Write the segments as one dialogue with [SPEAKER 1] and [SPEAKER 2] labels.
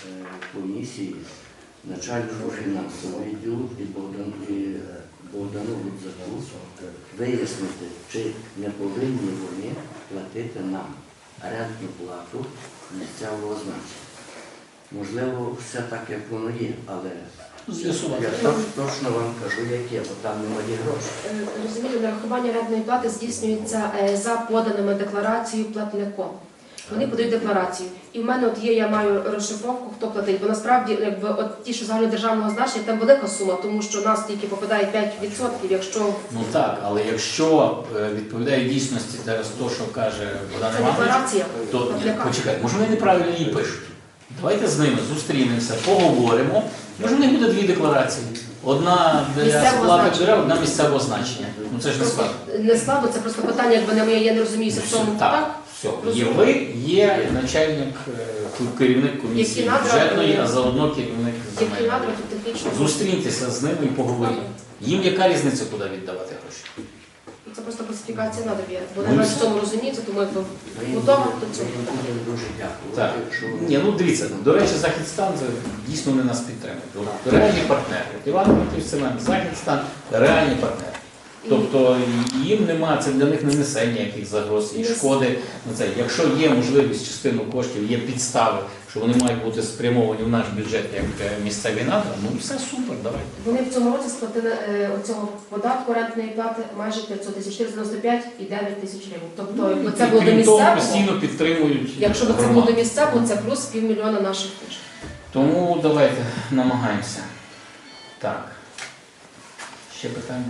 [SPEAKER 1] комісії начальнику фінансового відділу і Богдану Гудзаку вияснити, чи не повинні вони платити нам орендну плату місцевого значення. Можливо, все так, як воно є, але я точно вам кажу, яке, бо там немає грошей.
[SPEAKER 2] Розумієте, нарахування орендної плати здійснюється за поданими декларацією платником. Вони подають декларацію. І в мене от є, я маю розшифровку, хто платить. Бо насправді, якби от ті, що загальнодержавного значення, там велика сума, тому що у нас тільки попадає 5%, якщо...
[SPEAKER 3] Ну так, але якщо відповідає дійсності зараз то, що каже Богдан
[SPEAKER 2] Це
[SPEAKER 3] Іванович,
[SPEAKER 2] декларація.
[SPEAKER 3] то почекай, може вони неправильно її пишуть. Давайте з ними зустрінемося, поговоримо. Може в них буде дві декларації. Одна для сплати дерев, одна місцевого значення. Ну це ж не складно.
[SPEAKER 2] Не складно, це просто питання, якби я не розуміюся в цьому.
[SPEAKER 3] Так, все. Є ви, є начальник, керівник комісії бюджетної, а заодно керівник земельної. Зустріньтеся з ними і поговоріть. Їм яка різниця, куди віддавати гроші?
[SPEAKER 2] Це просто класифікація надоб'є. Вони навіть в цьому розуміються, тому я готова до цього.
[SPEAKER 1] Дуже дякую.
[SPEAKER 3] Так. Ні, ну дивіться, до речі, Західстан дійсно вони нас підтримують. Реальні партнери. Іван Петрович Семен, Західстан – реальні партнери. Тобто їм нема, це для них не несе ніяких загроз і шкоди на це. Якщо є можливість частину коштів, є підстави, що вони мають бути спрямовані в наш бюджет як місцеві надра, ну все супер, давайте.
[SPEAKER 2] Вони в цьому році сплатили оцього податку орендної плати майже 500 тисяч, 495 і 9 тисяч гривень. Тобто, якби це було до місцевого,
[SPEAKER 3] постійно підтримують.
[SPEAKER 2] Якщо б це було до місцевого, це плюс півмільйона наших коштів.
[SPEAKER 3] Тому давайте намагаємося. Так. Ще питання?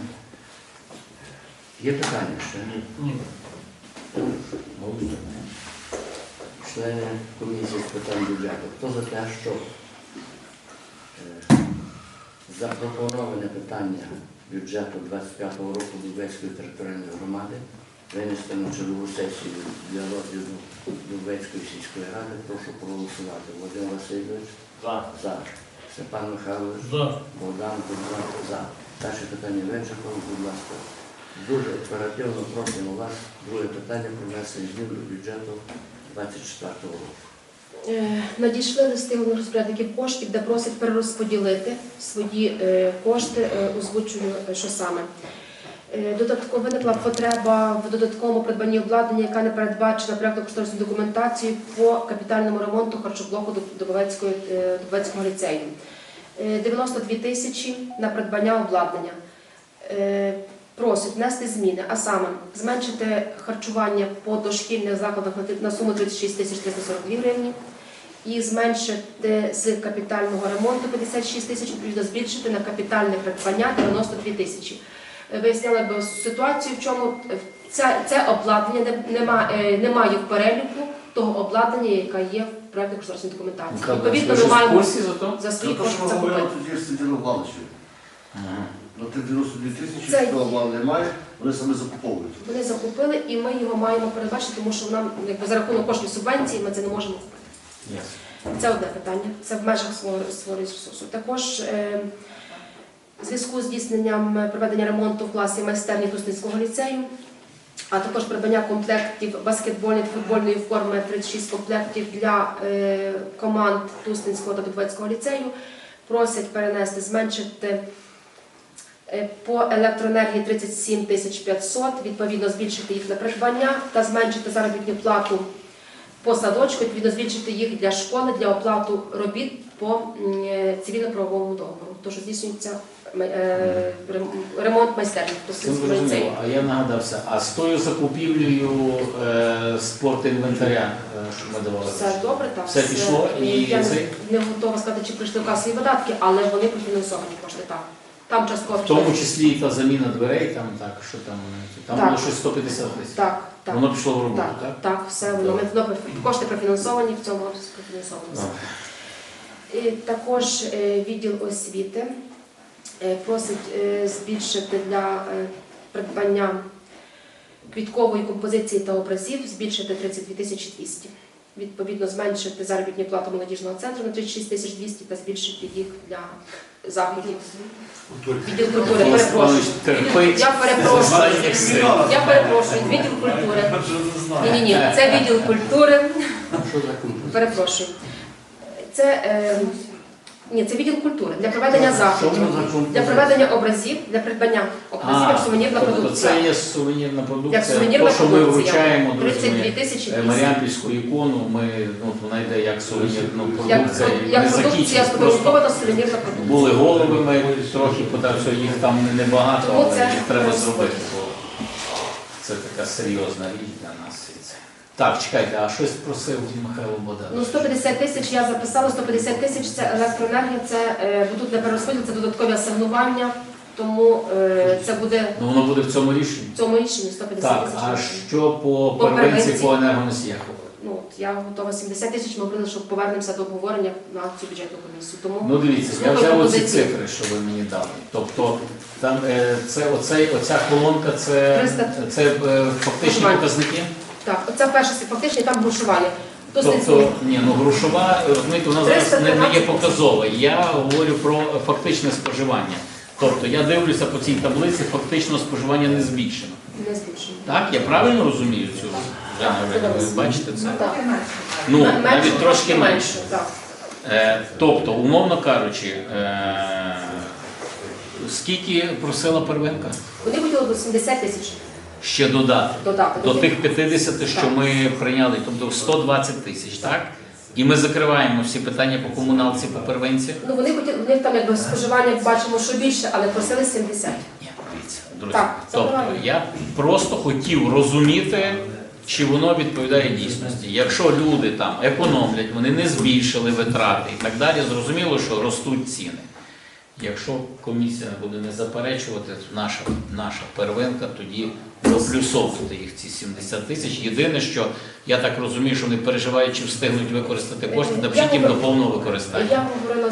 [SPEAKER 1] Є питання ще? Ні. Члени комісії з питань бюджету. Хто за те, що запропоноване питання бюджету 25-го року Дубовецької територіальної громади винести на чергову сесію для розгляду Дубовецької сільської ради, прошу проголосувати. Володимир Васильович? За. Степан Михайлович? За. Богдан Гудзак? За. Перше питання вичерпано, будь ласка. Дуже оперативно просимо вас друге питання про внесення змін до бюджету 24 року.
[SPEAKER 2] Надійшли листи головних розпорядників коштів, де просять перерозподілити свої кошти, озвучую, що саме. Додатково виникла потреба в додатковому придбанні обладнання, яка не передбачена проєктно-кошторисною документацією по капітальному ремонту харчоблоку Дубовецького ліцею. 92 тисячі на придбання обладнання. Просять внести зміни, а саме зменшити харчування по дошкільних закладах на суму 36 тисяч 342 гривні і зменшити з капітального ремонту 56 тисяч, відповідно збільшити на капітальне придбання 92 тисячі. Виясняли б ситуацію, в чому це обладнання немає в переліку того обладнання, яке є в проєктно-кошторисній документації. Відповідно, ми маємо за свої кошти закупити.
[SPEAKER 4] На тих 92 тисячі, що обладнання немає, вони самі закуповують.
[SPEAKER 2] Вони закупили і ми його маємо передбачити, тому що нам за рахунок коштів субвенції ми це не можемо купити. Це одне питання, це в межах свого ресурсу. Також в зв'язку з здійсненням проведення ремонту в класі майстерні Тусненського ліцею, а також придбання комплектів баскетбольної та футбольної форми 36 комплектів для команд Тусненського та Дубовецького ліцею, просять перенести, зменшити по електроенергії 37 500, відповідно збільшити їх на придбання та зменшити заробітну плату по садочку, відповідно збільшити їх для школи, для оплату робіт по цивільно-правовому договору. Тож здійснюється ремонт майстерні.
[SPEAKER 3] А я нагадався, а з тою закупівлею спортінвентаря, що ми давали?
[SPEAKER 2] Все добре, так.
[SPEAKER 3] Все пішло?
[SPEAKER 2] Я не готова сказати, чи прийшли касові видатки, але вони профінансовані кошти, так. Там частково.
[SPEAKER 3] В тому числі і та заміна дверей, що там було щось 150 тисяч.
[SPEAKER 2] Так.
[SPEAKER 3] Воно пішло в роботу, так?
[SPEAKER 2] Так, все воно. Кошти профінансовані, в цьому році профінансовані. І також відділ освіти просить збільшити для придбання квіткової композиції та образів, збільшити 32 200. Відповідно, зменшити заробітну плату молодіжного центру на 36 200 та збільшити їх для заходів. Відділ культури, перепрошую. Я перепрошую, відділ культури. Ні, це відділ культури. Перепрошую. Ні, це відділ культури для проведення
[SPEAKER 1] Що
[SPEAKER 2] заходів,
[SPEAKER 1] воно за композиція?
[SPEAKER 2] для проведення образів, для придбання образів як сувенірна
[SPEAKER 3] тобто
[SPEAKER 2] продукція.
[SPEAKER 3] це є сувенірна продукція.
[SPEAKER 2] Як сувенірна
[SPEAKER 3] То, що ми
[SPEAKER 2] продукція.
[SPEAKER 3] вручаємо,
[SPEAKER 2] 32 тисячі.
[SPEAKER 3] Маріампільську ікону, вона йде як сувенірна
[SPEAKER 2] Як
[SPEAKER 3] продукція. і
[SPEAKER 2] як
[SPEAKER 3] не
[SPEAKER 2] продукція
[SPEAKER 3] закінчиться. Просто
[SPEAKER 2] сфотографована сувенірна продукція.
[SPEAKER 3] були голови, ми трохи подався, їх там небагато,
[SPEAKER 2] Тому
[SPEAKER 3] але
[SPEAKER 2] це
[SPEAKER 3] їх треба
[SPEAKER 2] розподіл.
[SPEAKER 3] зробити. Бо це така серйозна річ для нас. І це. Так, чекайте, а щось просив Михайло Богданович?
[SPEAKER 2] Ну, 150 тисяч я записала, 150 тисяч це електроенергія, це будуть для перерозподілу, це додаткові асигнування, тому це буде
[SPEAKER 3] Ну, воно буде в цьому рішенні.
[SPEAKER 2] в цьому рішенні 150
[SPEAKER 3] Так,
[SPEAKER 2] тисяч.
[SPEAKER 3] а що по
[SPEAKER 2] По
[SPEAKER 3] первинці,
[SPEAKER 2] первинці?
[SPEAKER 3] по енергоносіях?
[SPEAKER 2] Ну, от я готова 70 тисяч, ми говорили, що повернемося до обговорення на цю бюджетну комісію. Тому
[SPEAKER 3] Ну, дивіться, я
[SPEAKER 2] слухаю
[SPEAKER 3] взяв оці
[SPEAKER 2] пропозиції.
[SPEAKER 3] цифри, що ви мені дали. Тобто, там, оця колонка, це
[SPEAKER 2] 300.
[SPEAKER 3] фактичні
[SPEAKER 2] Споживання.
[SPEAKER 3] показники?
[SPEAKER 2] Так, оце перше фактично, там грошування. Досить
[SPEAKER 3] Тобто, грошова, розумієте, вона зараз не є
[SPEAKER 2] 313.
[SPEAKER 3] показова. Я говорю про фактичне споживання. Тобто, я дивлюся по цій таблиці, фактично споживання не збільшено.
[SPEAKER 2] не збільшено.
[SPEAKER 3] Так, я правильно розумію цю?
[SPEAKER 2] Так,
[SPEAKER 3] Ви бачите це?
[SPEAKER 2] Так.
[SPEAKER 3] Ну,
[SPEAKER 2] Менше,
[SPEAKER 3] навіть трошки менше.
[SPEAKER 2] Так.
[SPEAKER 3] Тобто, умовно кажучи, скільки просила первинка?
[SPEAKER 2] Вони хотіли до 70 тисяч
[SPEAKER 3] Ще додати.
[SPEAKER 2] додати.
[SPEAKER 3] До тих 50, що
[SPEAKER 2] Так.
[SPEAKER 3] ми прийняли, тобто 120 тисяч, так? І ми закриваємо всі питання по комуналці, по первинці.
[SPEAKER 2] Ну, вони хотіли, в них там якби споживання бачимо, що більше, але просили 70.
[SPEAKER 3] Ні, дивіться, друзі.
[SPEAKER 2] Так, це
[SPEAKER 3] Тобто
[SPEAKER 2] правильно.
[SPEAKER 3] я просто хотів розуміти, чи воно відповідає дійсності. Якщо люди там економлять, вони не збільшили витрати і так далі, зрозуміло, що ростуть ціни. Якщо комісія буде не заперечувати, наша первинка тоді доплюсовувати їх ці 70 тисяч. Єдине, що я так розумію, що вони переживають, чи встигнуть використати кошти, та
[SPEAKER 2] Я
[SPEAKER 3] їм до
[SPEAKER 2] говорю-
[SPEAKER 3] повного використання.
[SPEAKER 2] Я говорила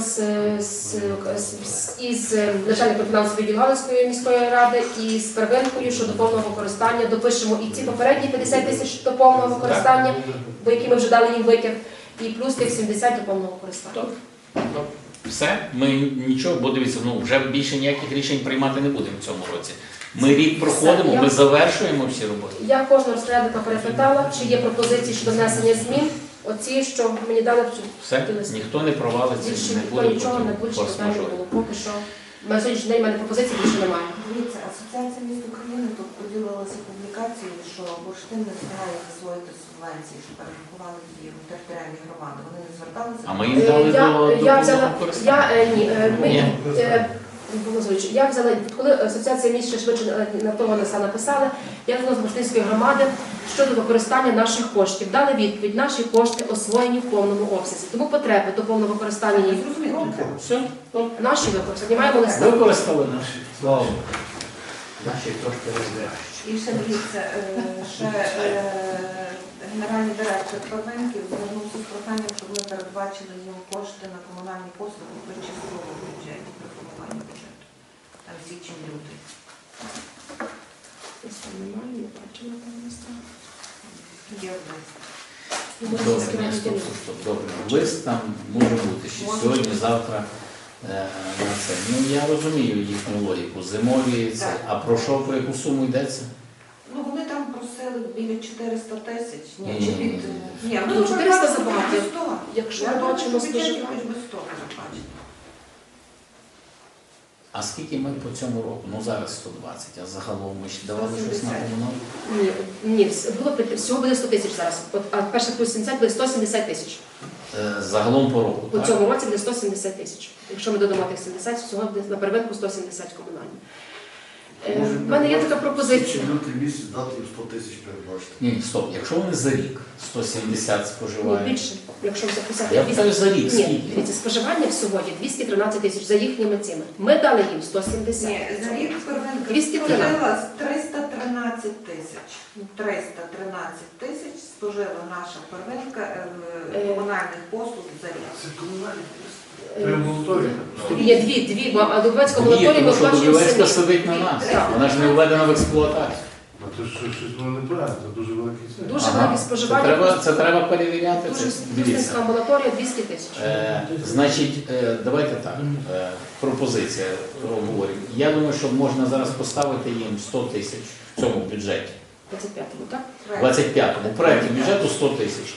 [SPEAKER 2] із начальником фінансової відділу Галицької міської ради і з первинкою щодо повного використання. Допишемо і ці попередні 50 тисяч до повного використання, до які ми вже дали їм витяг, і плюс тих 70 до повного використання.
[SPEAKER 3] Все, ми нічого, бо дивіться, вже більше ніяких рішень приймати не будемо в цьому році. Ми рік проходимо,
[SPEAKER 2] Все,
[SPEAKER 3] ми завершуємо всі роботи.
[SPEAKER 2] Я кожного розпорядника перепитала, чи є пропозиції щодо внесення змін. Оці, що мені дали,
[SPEAKER 3] Все, ніхто не провалиться,
[SPEAKER 2] більше
[SPEAKER 3] не
[SPEAKER 2] ніхто
[SPEAKER 3] буде
[SPEAKER 2] нічого не буде, що питання
[SPEAKER 3] форс-мажору.
[SPEAKER 2] було. Поки що на сьогоднішній день в мене пропозицій більше немає.
[SPEAKER 5] Дивіться, Асоціація міст України тут поділилася публікацією, що бурштин не встигає засвоїти субвенції, що перерахували її в територіальні громади. Вони не зверталися.
[SPEAKER 3] А ми їм дали
[SPEAKER 2] Я
[SPEAKER 3] до
[SPEAKER 2] взяла,
[SPEAKER 3] використання.
[SPEAKER 2] я взяла, коли асоціація міст ще швидше на того листа написали, я взяла з Бурштинської громади щодо використання наших коштів. Дали відповідь, наші кошти освоєні в повному обсязі. Тому потреби до повного використання їх.
[SPEAKER 3] Все,
[SPEAKER 2] Наші використані, маємо листа.
[SPEAKER 3] використали наші. Слава Богу.
[SPEAKER 1] Наші трошки розбирають.
[SPEAKER 5] І ще дивіться, генеральний директор Первинків звернувся з проханням, щоб ми передбачили їм кошти на комунальні послуги при частковому бюджеті, при формуванні бюджету. Там січень-лютий.
[SPEAKER 2] Немає, не бачила там листа.
[SPEAKER 5] Є лист.
[SPEAKER 3] Добре, ні, стоп. Добре. Лист там може бути ще сьогодні, завтра. На це. Ну, я розумію їхню логіку. Зимові це. А про що, про яку суму йдеться?
[SPEAKER 5] Ну, вони там просили біля 400 тисяч.
[SPEAKER 3] Ні,
[SPEAKER 5] Чи
[SPEAKER 3] ні,
[SPEAKER 5] під...
[SPEAKER 3] ні.
[SPEAKER 5] Ні,
[SPEAKER 2] Ну, 400 забагато.
[SPEAKER 5] без 100.
[SPEAKER 2] Якщо
[SPEAKER 5] Я
[SPEAKER 2] ми
[SPEAKER 5] думаю,
[SPEAKER 2] бачимо
[SPEAKER 5] що бюджет
[SPEAKER 2] споживання.
[SPEAKER 5] хоч би 100 передбачити.
[SPEAKER 3] А скільки ми по цьому року? Ну зараз 120, а загалом ми ще давали щось на
[SPEAKER 5] 170.
[SPEAKER 3] комуналку?
[SPEAKER 2] Ні, було всього буде 100 тисяч зараз. А перше плюс 70 буде 170 тисяч.
[SPEAKER 3] Загалом по року,
[SPEAKER 2] У
[SPEAKER 3] так?
[SPEAKER 2] цьому році буде 170 тисяч. Якщо ми додамо тих 70, всього буде на первинку 170 комунальні. В мене є така пропозиція.
[SPEAKER 4] Лютий місяць дати їм 100 тисяч передбачити.
[SPEAKER 3] Ні, стоп, якщо вони за рік 170
[SPEAKER 2] Ні,
[SPEAKER 3] споживають.
[SPEAKER 2] більше. Якщо записати
[SPEAKER 3] Я питаю за рік,
[SPEAKER 2] Ні,
[SPEAKER 3] скільки?
[SPEAKER 2] дивіться, споживання всього є 213 тисяч за їхніми цими. Ми дали їм 170.
[SPEAKER 5] Ні, за рік Первинка
[SPEAKER 2] 213.
[SPEAKER 5] спожила 313 тисяч. 313 тисяч спожила наша Первинка комунальних послуг за рік.
[SPEAKER 4] Це комунальні. Це
[SPEAKER 2] Е,
[SPEAKER 4] амбулаторія.
[SPEAKER 2] Є дві, бо а Дубовецька
[SPEAKER 3] Ні,
[SPEAKER 2] амбулаторія
[SPEAKER 3] тому
[SPEAKER 2] ми
[SPEAKER 3] що
[SPEAKER 2] оплачуємо
[SPEAKER 3] Дубовецька
[SPEAKER 2] самі.
[SPEAKER 3] сидить на нас.
[SPEAKER 2] Так.
[SPEAKER 3] Вона ж не введена в експлуатацію.
[SPEAKER 4] А то щось воно неправильно, це дуже великий цей.
[SPEAKER 2] Дуже велике споживання.
[SPEAKER 3] Це треба перевіряти.
[SPEAKER 2] Дуже
[SPEAKER 3] Це, дивіться.
[SPEAKER 2] Дубовецька амбулаторія 200 тисяч.
[SPEAKER 3] Значить, давайте так. Пропозиція говоримо. Я думаю, що можна зараз поставити їм 100 тисяч в цьому бюджеті.
[SPEAKER 2] 25-му, так?
[SPEAKER 3] 25-му. В проєкті бюджету 100 тисяч.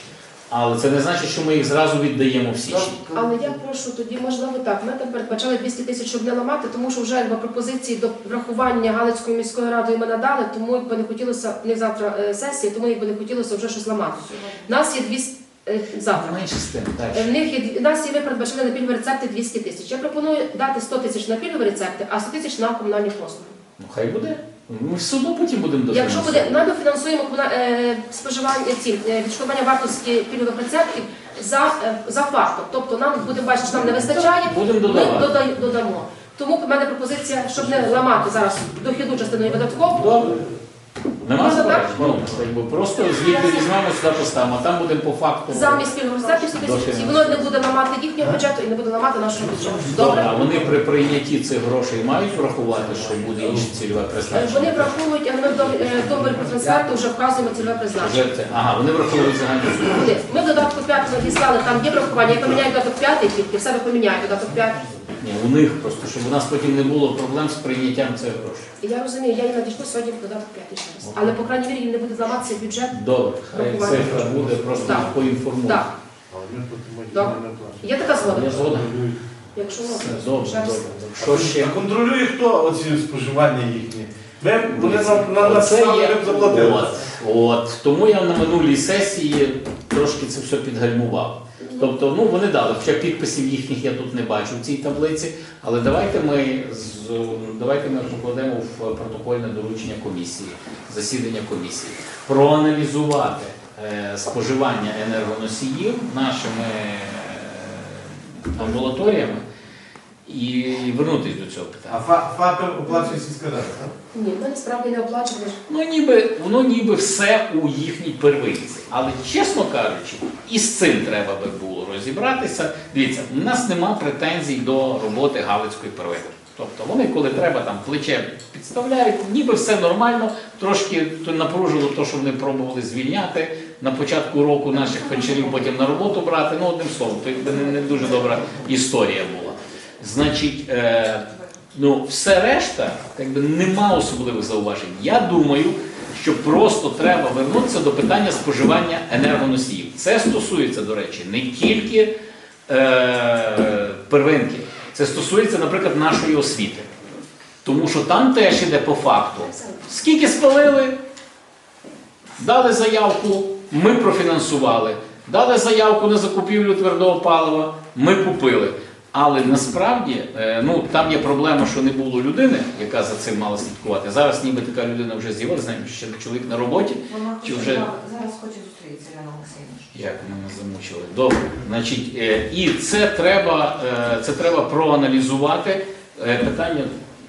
[SPEAKER 3] Але це не значить, що ми їх зразу віддаємо в січні.
[SPEAKER 2] Але я прошу тоді, можливо, так. Ми там передбачали 200 тисяч, щоб не ламати, тому що вже якби пропозиції до врахування Галицькою міською радою ми надали, тому якби не хотілося, не завтра сесії, тому якби не хотілося вже щось ламати. У нас є 200 завтра.
[SPEAKER 3] Менше з тим, так.
[SPEAKER 2] В нас є, ми передбачили на пільгові рецепти 200 тисяч. Я пропоную дати 100 тисяч на пільгові рецепти, а 100 тисяч на комунальні послуги.
[SPEAKER 3] Ну хай буде. Ми все одно потім будемо
[SPEAKER 2] Якщо
[SPEAKER 3] дофінансовувати.
[SPEAKER 2] буде, ми дофінансуємо споживання відшкодування вартості пільгових рецептів за фактом. Тобто нам будемо бачити, що нам не вистачає,
[SPEAKER 3] Будемо
[SPEAKER 2] ми
[SPEAKER 3] додавати.
[SPEAKER 2] додамо. Тому в мене пропозиція, щоб не ламати зараз дохідну частину і видаткову.
[SPEAKER 3] Добре. Нема
[SPEAKER 2] Можна
[SPEAKER 3] заперечень?
[SPEAKER 2] так?
[SPEAKER 3] Ну, якби просто звідти візьмемо, сюди поставимо, а там будемо по факту.
[SPEAKER 2] Замість пільгових рецептів 100 тисяч, і воно не буде ламати їхнього бюджету і не буде ламати нашого бюджету.
[SPEAKER 3] Добре, а
[SPEAKER 2] Добре?
[SPEAKER 3] вони при прийнятті цих грошей мають врахувати, що буде інше цільове призначення?
[SPEAKER 2] Вони враховують, але ми в договорі про трансферту вже вказуємо цільове призначення.
[SPEAKER 3] Вже це. Ага, вони враховують загальну суму.
[SPEAKER 2] Ми в додатку 5 надіслали, там є врахування, я поміняю додаток 5 тільки, в себе поміняю додаток 5.
[SPEAKER 3] Ні, у них просто, щоб у нас потім не було проблем з прийняттям цих грошей.
[SPEAKER 2] І я розумію, я їм надійшла сьогодні в додаток 5 ще раз. Але, по крайній мірі, їм не буде зламатися бюджет.
[SPEAKER 3] Добре, хай
[SPEAKER 2] Врахування.
[SPEAKER 3] цифра буде, просто
[SPEAKER 2] Так.
[SPEAKER 3] їх поінформують.
[SPEAKER 2] Так, добре. Є така згода?
[SPEAKER 3] Я згоден.
[SPEAKER 2] Якщо
[SPEAKER 3] Все,
[SPEAKER 2] можна.
[SPEAKER 3] добре,
[SPEAKER 2] ще раз.
[SPEAKER 3] добре. Що ще?
[SPEAKER 6] А контролює хто оці споживання їхні? Вони на
[SPEAKER 3] Оце
[SPEAKER 6] нас
[SPEAKER 3] є.
[SPEAKER 6] заплатили.
[SPEAKER 3] От. Тому я на минулій сесії трошки це все підгальмував. Тобто, ну вони дали, хоча підписів їхніх я тут не бачу в цій таблиці, але давайте ми покладемо в протокольне доручення комісії, засідання комісії, проаналізувати споживання енергоносіїв нашими амбулаторіями і вернутися до цього питання.
[SPEAKER 6] А ФАПи оплачує сільська рада, так?
[SPEAKER 2] Ні, ми насправді не оплачували.
[SPEAKER 3] Воно ніби все у їхній первинці. Але, чесно кажучи, і з цим треба би було розібратися. Дивіться, у нас нема претензій до роботи Галицької первинки. Тобто вони, коли треба, там плече підставляють, ніби все нормально, трошки напружило те, що вони пробували звільняти на початку року наших фельдшерів, потім на роботу брати. Ну, одним словом, то якби не дуже добра історія була. Значить, все решта, якби нема особливих зауважень. Я думаю, що просто треба вернутися до питання споживання енергоносіїв. Це стосується, до речі, не тільки первинки. Це стосується, наприклад, нашої освіти. Тому що там теж іде по факту. Скільки спалили, дали заявку, ми профінансували. Дали заявку на закупівлю твердого палива, ми купили. Але насправді, там є проблема, що не було людини, яка за цим мала слідкувати. Зараз ніби така людина вже з'явилася, знаємо, що ще чоловік на роботі.
[SPEAKER 5] Вона
[SPEAKER 3] Чи
[SPEAKER 5] хоче,
[SPEAKER 3] вже...
[SPEAKER 5] зараз хоче зустрітися, Ірина Олексійовна.
[SPEAKER 3] Як мене замучили. Добре. Значить, і це треба проаналізувати питання,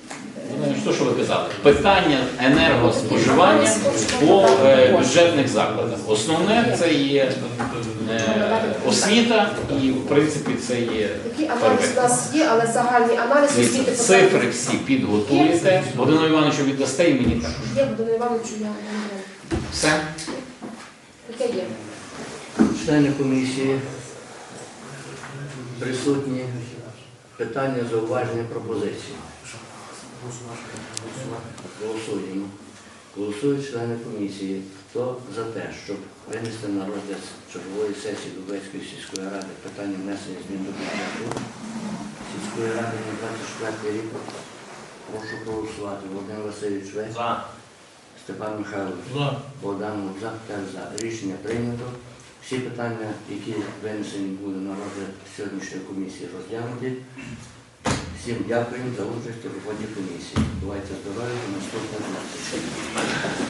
[SPEAKER 3] що ви казали? Питання енергоспоживання по бюджетних закладах. Основне це є освіта і, в принципі, це є
[SPEAKER 2] Такий аналіз у нас є, але загальний аналіз освіти...
[SPEAKER 3] цифри всі підготуєте. Володимиру Івановичу віддасте і мені також.
[SPEAKER 2] Є, Володимиру Івановичу, я не знаю.
[SPEAKER 3] Все?
[SPEAKER 2] Таке є.
[SPEAKER 1] Члени комісії присутні. Питання, зауваження, пропозиції. Голосуємо. Голосують члени комісії. Хто за те, щоб винести на розгляд чергової сесії Дубецької сільської ради питання внесення змін до бюджету сільської ради на 24 рік? Прошу проголосувати. Володимир Васильович Весь.
[SPEAKER 6] За.
[SPEAKER 1] Степан Михайлович.
[SPEAKER 6] За.
[SPEAKER 1] Богдан Лобзак теж за. Рішення прийнято. Всі питання, які винесені були на розгляд сьогоднішньої комісії, розглянуті. Всім дякуємо за участь у роботі комісії. Бувайте здорові, до наступного зустрічі.